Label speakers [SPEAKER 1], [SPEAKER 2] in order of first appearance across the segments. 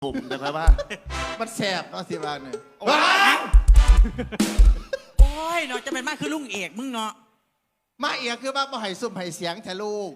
[SPEAKER 1] ผมแต่ค่อยว่ามันแสบเนาะสิบ้านเนี่ยว้า
[SPEAKER 2] โอ้ยเนาะจะเป็นมากคือลุงเอกมึงเนาะ
[SPEAKER 1] มาเอียคือว่าบ่ให้ซุ่มให้เสียงแทลูก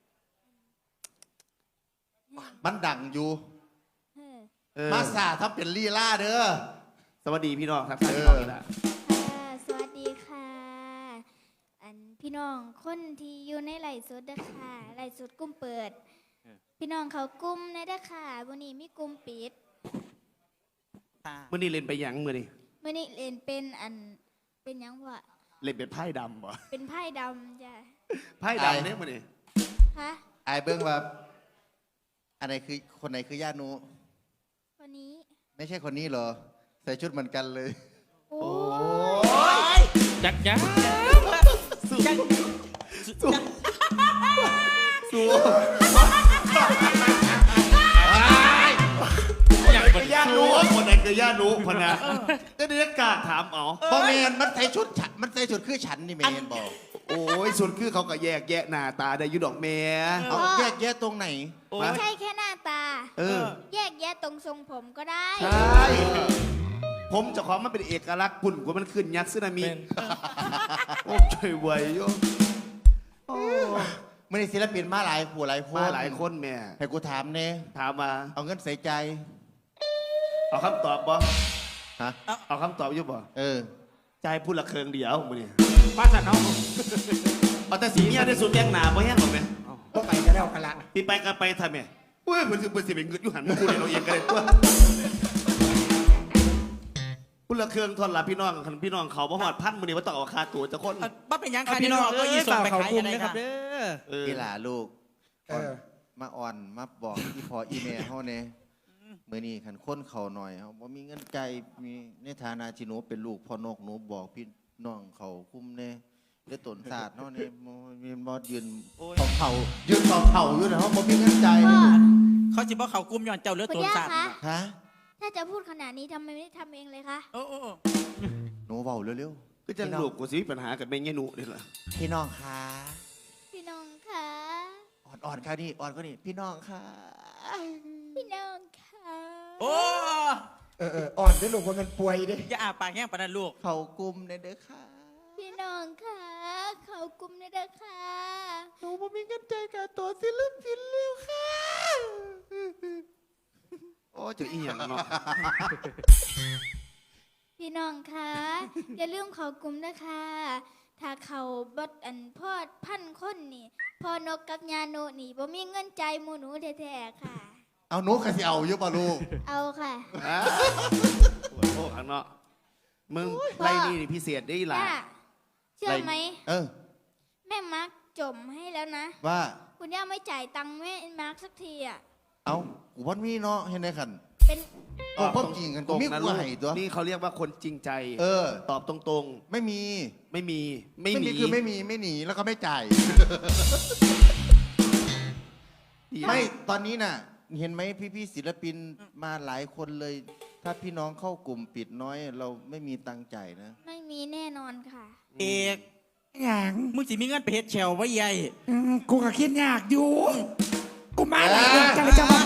[SPEAKER 1] มันดังอยู่มาสาทำเป็นลีลาเด้อสวัสดีพี่น้องครับพี่น้องนี่แหละ
[SPEAKER 3] สวัสดีค่ะพี่น้องคนที่อยู่ในไหลฟ์สดเด้อค่ะไหลฟ์สดกุ้มเปิดพี่น้องเขากุ้มในเด้อค่ะวันนี้มีกุ้มปิด
[SPEAKER 1] มื่อนี้เล่นไปยังมื่อนี้
[SPEAKER 3] มื่อนี้เล่นเป็นเป็นยังวะ
[SPEAKER 1] เล่นเป็นไพ่ดำบ่
[SPEAKER 3] เป็นไพ่ดำจ้ะ
[SPEAKER 1] ไพ่ดำเนี่ยมื่อนี้
[SPEAKER 3] ฮะ
[SPEAKER 1] ไอ้เบิ้งว่าอันไหนคือคนไหนคือย่านุ
[SPEAKER 3] คนนี้
[SPEAKER 1] ไม่ใช่คนนี้เหรอใส่ชุดเหมือนกันเลย
[SPEAKER 3] โอ้
[SPEAKER 2] ยจักจักสู้สู้
[SPEAKER 1] อย่างคือย่านุคนไหนคือย่านุพนะก็เดี๋ยวกล้าถามเอาบ่แมนมันใส่ชุดฉันมันใส่ชุดคือฉันนี่แมนบอกโอ้ยสุดคือเขาก็แยกแยะหน้าตาได้ยุดอกแม่เอาแยกแยะตรงไหน
[SPEAKER 3] ไม่ใช่แค่หน้าตา แยกแยะตรงทรงผมก็ได้
[SPEAKER 1] ใช่ผมเจ้าของมันเป็นเอกลักษณ์ปุ่นกว่ามันขึ้นยักษ์ซึนามิโอ้ช่วยไว้โยไม่ได้ศิลปินมาหลายผู้หลายคนมาหลายคนแม่ให้กูถามเน่ถามมาเอาเงินใส่ใจเอาคำตอบบ่ฮะเอาคำตอบอยู่บ่ใจพูดละเคืองเดียวมึงนี่ป้าสันเอาเอาแต่สีเมียได้สุดแย่งหนาบ่แห้งหรอแม่
[SPEAKER 4] ก็ไปกันแล้วกันละ
[SPEAKER 1] พี่ไปกันไปทำไมเว้ยมันสิเป็นเงินอยู่หันกูเลยเราเองกันเลยตัวพูดละเคืองทนละพี่น้องพี่น้องเขาบ่หอดพันมึงนี่ว่าต้องเอาคาตัวจะคน
[SPEAKER 2] ป้าเป็นยังค่ะพี่น้องก็ยีส่งไปขายกันได้ครับ
[SPEAKER 1] พี่หล่าลูกมาอ่อนมาบอกอีพออีเมลเขาเนี่ยเมื่อนี้ขันค้นเขาหน่อยเขาบ่มีเงินใจมีในฐานะที่หนูเป็นลูกพ่อนกหนูบอกพี่น้องเขาคุ้มเนี่ยได้ตนศาสตร์เนาะเนี่ยมีบอสยืนเขายืนเขาอยู่นะเขาบ่มีเงินใจ
[SPEAKER 2] เขาจิบอกเขากุมย้อนเจ้าเลือดตัวสัตว์
[SPEAKER 1] ฮะ
[SPEAKER 3] ถ้าจะพูดขนาดนี้ทำไมไม่ทำเองเลยคะ
[SPEAKER 2] โอ้
[SPEAKER 1] หนูเบาเร็วๆก็จะลูกกูสิมีปัญหากับแม่เงี้ยหนูนี่แหละพี่น้องค่ะ
[SPEAKER 3] พี่น้องค่ะ
[SPEAKER 1] อ่อนค่ะนี่อ่อนก็นี่พี่น้องค่ะ
[SPEAKER 3] พี่น้องค่ะ
[SPEAKER 2] โอ้
[SPEAKER 4] อ่อนด้วยลูกว่ามันป่วยดิ
[SPEAKER 2] อย่าอาปากแห้งปานนั้นลูก
[SPEAKER 1] เขากุมในเด้อค่ะ
[SPEAKER 3] พี่น้องค่ะเขากุมในเด้อค่ะ
[SPEAKER 1] หนูบ่มีเงินใจกับตัวศิลปินเร็วค่ะโอ้จะอีหยังเนาะ
[SPEAKER 3] พี่น้องคะอย่าลืมเขากลุ่มนะคะถ้าเขาบดพ่อพันคนนี่พ่อนกกับยาโนนี่บ่มีเงินใจหมูหนูแท้ๆค่ะ
[SPEAKER 1] เอานุกกะสิเอาอยู่ป่ะลูก
[SPEAKER 3] เอาค่ะ
[SPEAKER 1] โอ้ข้างนอกมึงไล่นี่พิเศษได้หลาย
[SPEAKER 3] เชื่อไหมแม่มาร์กจมให้แล้วนะ
[SPEAKER 1] ว่า
[SPEAKER 3] คุณย่าไม่จ่ายตังค์แม่มาร์กสักทีอ่ะ
[SPEAKER 1] เอากูวันมีเนาะเห็นไหมขัน
[SPEAKER 3] เป็น
[SPEAKER 1] พบจริงกันกูมีกูให้ตัวนี่เขาเรียกว่าคนจริงใจตอบตรงๆไม่มีคือไม่มีไม่หนีแล้วก็ไม่จ่ายไม่ตอนนี้น่ะเห็นไหมพี่ศิลปินมาหลายคนเลย ถ้าพี่น้องเข้ากลุ่มปิดน้อยเราไม่มีตังค์จ่ายนะ
[SPEAKER 3] ไม่มีแน่นอนค่ะ
[SPEAKER 2] เอก
[SPEAKER 4] อย่าง
[SPEAKER 2] มึงสิมีเงินไปเฮ็ดเชลไว้ใหญ่
[SPEAKER 4] กูก็คิดยากอยู่กูมาหลายเดือนกันเลยจะมา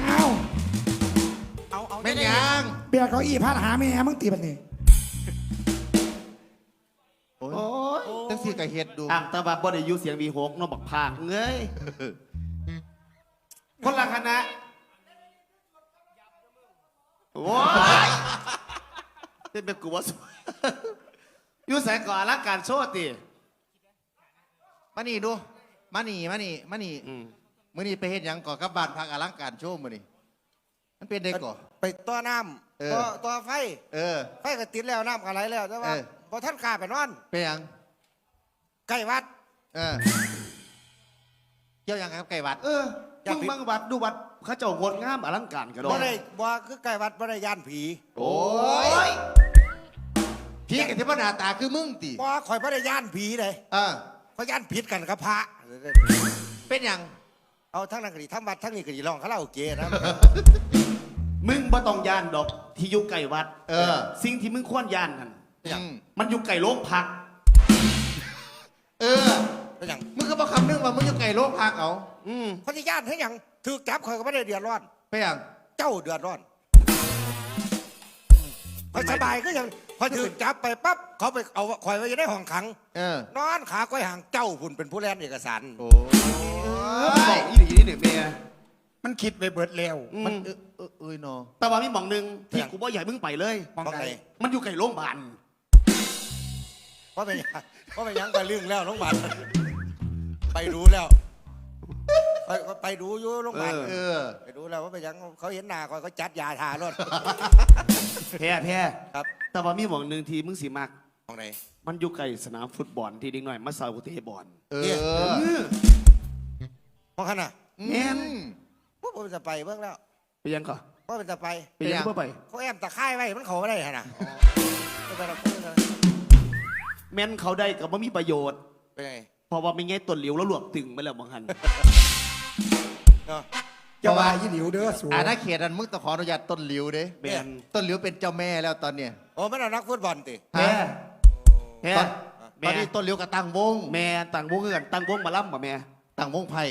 [SPEAKER 2] เอา
[SPEAKER 1] ไม่ยัง
[SPEAKER 4] เบียร์เขาอีพาดหาแม่มึงตีแบบนี้
[SPEAKER 1] โอ้ยตั้งสี่กับเฮ็ดดูอ่างตาบาบ่ได้ยูเสียงวีหกน้องบักพากเงยคนละคณะโอ้ยเป็นแบบกูว่ายูแสงก่อนรักการโชว์ตีมานี่ดูมานี่มื่อนี่ไปเห็นยังก่อกับบ้านพักอลังการโชว์มื่อนี่มันเป็นเด็กก่อ
[SPEAKER 4] ไปต่อน้ำต่อไฟไฟก็ติดแล้วน้ำอะไรแล้วแต่ว่าพอท่านกาไปนอน
[SPEAKER 1] ไปยัง
[SPEAKER 4] ไก่วัด
[SPEAKER 1] เกี่ยวยังครับไก่วัดมึงบังวัดดูวัดเขาเจ้างดงามอลังการกันด้วย
[SPEAKER 4] บ่คือไก่วัดบ่ได้ย่านผี
[SPEAKER 1] โอ้ยผีกับที่พระนาตาคือมึงตี
[SPEAKER 4] บ่คอยบ่ได้ย่านผีเลยเขาย่านผิดกันกับพระ
[SPEAKER 1] เป็นยัง
[SPEAKER 4] เอาทั้งนั้นก็ดีทั้งวัดทั้งนี้ก็ดีลองคาราโอเกะนะ
[SPEAKER 1] มึงบ่ต้องย่านดอกที่อยู่ไก่วัดสิ่งที่มึงควรย่านกันมันอยู่ไก่โลกพัก
[SPEAKER 4] อย่าง
[SPEAKER 1] มึงก็บอกคำนึงว่ามึงอยู่ไก่โลกพักเอา
[SPEAKER 4] เขาจะย่านให้อย่างถือจับคอยก็ไม่ได้เดือดร้อน
[SPEAKER 1] ไปอย่าง
[SPEAKER 4] เจ้าเดือดร้อนพอสบายก็ยังพอถึงจับไปปั๊บเขาไปเอาคอยไว้ในห้องขังนอนขาก้อยห่างเจ้าพุ่นเป็นผู้แลนเอกสาร
[SPEAKER 1] โอ้
[SPEAKER 5] บอกอีหลีนี่เนี่ยเมีย
[SPEAKER 6] มันคิดไปเบิดแล้ว
[SPEAKER 1] มันเนาะ
[SPEAKER 5] แต่ว่ามีหม่องหนึงที่กูบ่อยากมึงไปเลย
[SPEAKER 6] มอง
[SPEAKER 4] เพราะ
[SPEAKER 6] ไหน
[SPEAKER 4] ไง
[SPEAKER 5] มันอยู่ไกลโรงพยาบาล
[SPEAKER 4] เพราะเป็นยังเพราะเป็นยังไปเรื่องแล้วโรงพยาบาลไปดูแล้วไปดูอยู่โรงพยาบาลไปดูแล้วว่าเป็นยังเขาเห็นหน้าเขาจัดยาทารถ
[SPEAKER 5] แพ้
[SPEAKER 4] ครับ
[SPEAKER 5] แต่ว่ามีหม่องหนึงที่มึงสิมัก
[SPEAKER 4] มองไหน
[SPEAKER 5] มันอยู่ไกลสนามฟุตบอลที่เด็กหน่อยมาเซาเตะบอล
[SPEAKER 4] มองขนาด
[SPEAKER 5] แม่น
[SPEAKER 4] พวกผมจะไปเบื้องแล้ว
[SPEAKER 5] ไปยังก่อน
[SPEAKER 4] เพราะมันจะไป
[SPEAKER 5] ไปยังเพื่อไป
[SPEAKER 4] เขาแอมตะไคร้ไว้มันเขาไม่ได้ขนาด
[SPEAKER 5] แม่นเขาได้กับว่ามีประโยชน์
[SPEAKER 4] เป็นไง
[SPEAKER 5] เพราะว่าไม่งี้ต้นเหลียวแล้วหลวกตึงไปแล้วบางหัน
[SPEAKER 4] เนาะ
[SPEAKER 6] จะว่ายี่หลิวเด้อสู
[SPEAKER 1] อาณาเขตอันมึงต้องขออนุญาตต้นหลิวเด้
[SPEAKER 5] แม่น
[SPEAKER 1] ต้นหลิวเป็นเจ้าแม่แล้วตอนเนี้ย
[SPEAKER 4] โอ้ไม่เอานักฟุตบอลติ
[SPEAKER 5] แพ้แพ้
[SPEAKER 1] ตอน
[SPEAKER 5] แม่
[SPEAKER 1] นี้ต้นหลิวกับตั้งวง
[SPEAKER 5] แม่ต่างวงเงินต่างวงมาล่ำป่ะแม่
[SPEAKER 1] ตั้งวงไพ่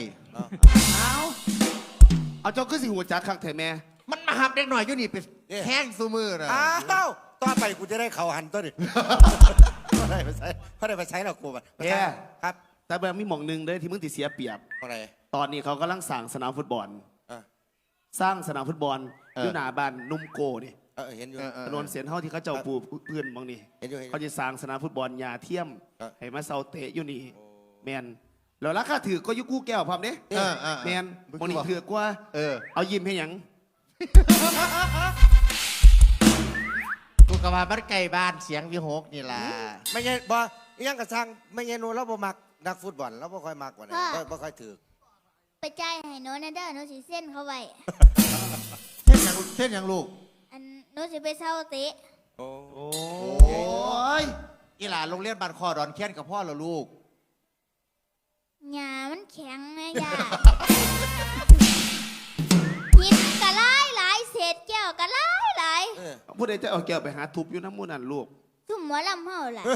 [SPEAKER 5] เอาเจ้าขึ้นสิหัวจักคักเถอะแม่
[SPEAKER 1] มันมาหับเด็กหน่อยอยู่นี่ไปแห้งซูมือนะ
[SPEAKER 4] อ้าวต่อไปกูจะได้เข่าหันตัวดิเขาได้ไปใช้เรากูแบบครับ
[SPEAKER 5] แต่แบบมีหม่องหนึงเด้อที่มึงติเสียเปรียบ
[SPEAKER 4] อะไร
[SPEAKER 5] ตอนนี้เขากำลังสร้างสนามฟุตบอล
[SPEAKER 4] อ่ะ
[SPEAKER 5] สร้างสนามฟุตบอลอยู่หน้าบ้านนุ่มโกนี่
[SPEAKER 4] เห็นอยู่
[SPEAKER 5] ถนนเสียนเท่าที่เขาเจ้าปูพื้นบางนี่
[SPEAKER 4] เห็นอยู่เห็นอ
[SPEAKER 5] เขา
[SPEAKER 4] ยู่
[SPEAKER 5] จะสร้างสนามฟุตบอลยาเทียม
[SPEAKER 4] ครับ
[SPEAKER 5] ให้มาเซาเตะอยู่นี่แมนแล้วราคาถือก็อยุกู้แก้วพร้อมเด้แมนบางนี่ถือกว่า เอายิ้มให้หยัง
[SPEAKER 1] กูกะว่ามันไก่บ้านเสียงวิหกนี่ล่ะ
[SPEAKER 4] ไม่ใช่บ่ยังกระชังไม่ใช่นูเราบ่มักนักฟุตบอลเราบ่ค่อยมักกว่านี้บ่ค่อยถือ
[SPEAKER 3] ไปจ่ายให้โน้ตนะเด้อโน้ตสิเส้นเขาไว้
[SPEAKER 1] เช่นอย่างลูก
[SPEAKER 3] อันโน้ตสิไปเช่าเตะ
[SPEAKER 4] โอ้
[SPEAKER 1] โอ้ยอีหลานโรงเรียนบ้านคอดอนแค้นกับพ่อเหรอลูก
[SPEAKER 3] หญ้ามันแข็งไงย่าหินกะไล่หลายเศษแก้วกะไล่หลาย
[SPEAKER 5] ผู้ใดจะเอาแก้วไปหาทุบอยู่น้ำมูนันลูก
[SPEAKER 3] ซุ่มหมอลำเฮาล่ะ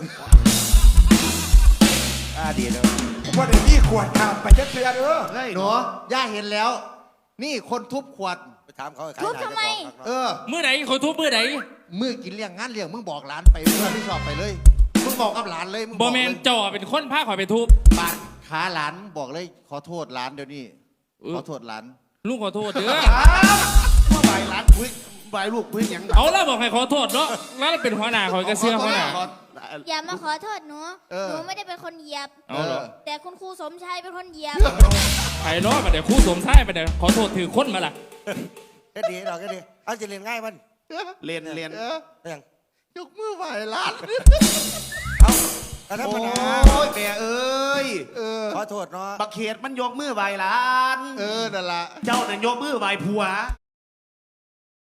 [SPEAKER 1] ดีเลย
[SPEAKER 6] ว่าเดี๋ยวนี้ขวดขาดไปจะเสียเด้อ
[SPEAKER 5] เฮ้ย
[SPEAKER 1] หนูย่าเห็นแล้ว นี่คนทุบขวด
[SPEAKER 4] ไปถามเขา
[SPEAKER 3] ทุบทำไม
[SPEAKER 2] มื้อไหนขอทุบมื้อไหน
[SPEAKER 1] มือกินเลี้ยงงานเลี้ยงมึงบอกหลานไปมึงรับผิดชอบไปเลย มึงบอกกับหลานเลยมึง
[SPEAKER 2] บ่
[SPEAKER 1] อก
[SPEAKER 2] แม่น
[SPEAKER 1] เลย
[SPEAKER 2] เจ้าเป็นคนพาข่อยไปทุบ
[SPEAKER 1] บาดขาหลานบอกเลยขอโทษหลานเดี๋ยวนี้ ขอโทษหลาน
[SPEAKER 2] ลุงขอโทษเด้อ
[SPEAKER 5] ว่าใบร้านคุยใบลูกคุยหยัง
[SPEAKER 2] เอาแล้วบอกให้ขอโทษเนาะแล้วเป็นหัวหน้าข่อยก็เสื้อหัวหน้า
[SPEAKER 3] อย่ามาขอโทษหนูหนูไม่ได้เป็นคนเหยียบ
[SPEAKER 2] เอาเหรอ
[SPEAKER 3] แต่คุณครูสมชายเป็นคนเหยียบ
[SPEAKER 2] ไอ้เนาะมาเดี๋ยวครู่สวมใส่มาเดี๋ยวขอโทษถือคนมาล่ะ
[SPEAKER 4] แค่ดีเราแค่ดีเอาจะเรียนง่ายมัน
[SPEAKER 5] เรียน
[SPEAKER 4] ยัง
[SPEAKER 1] ยกมือไหวหลาน
[SPEAKER 4] เอาแต่ธรรม
[SPEAKER 5] โอ้
[SPEAKER 4] ดาย
[SPEAKER 5] แม่เอ้ย
[SPEAKER 4] ขอโทษเนาะ
[SPEAKER 5] บักเขตมันยกมือไหวหลาน
[SPEAKER 1] นั่นละ
[SPEAKER 5] เจ้าน่ะยกมือไหวผัว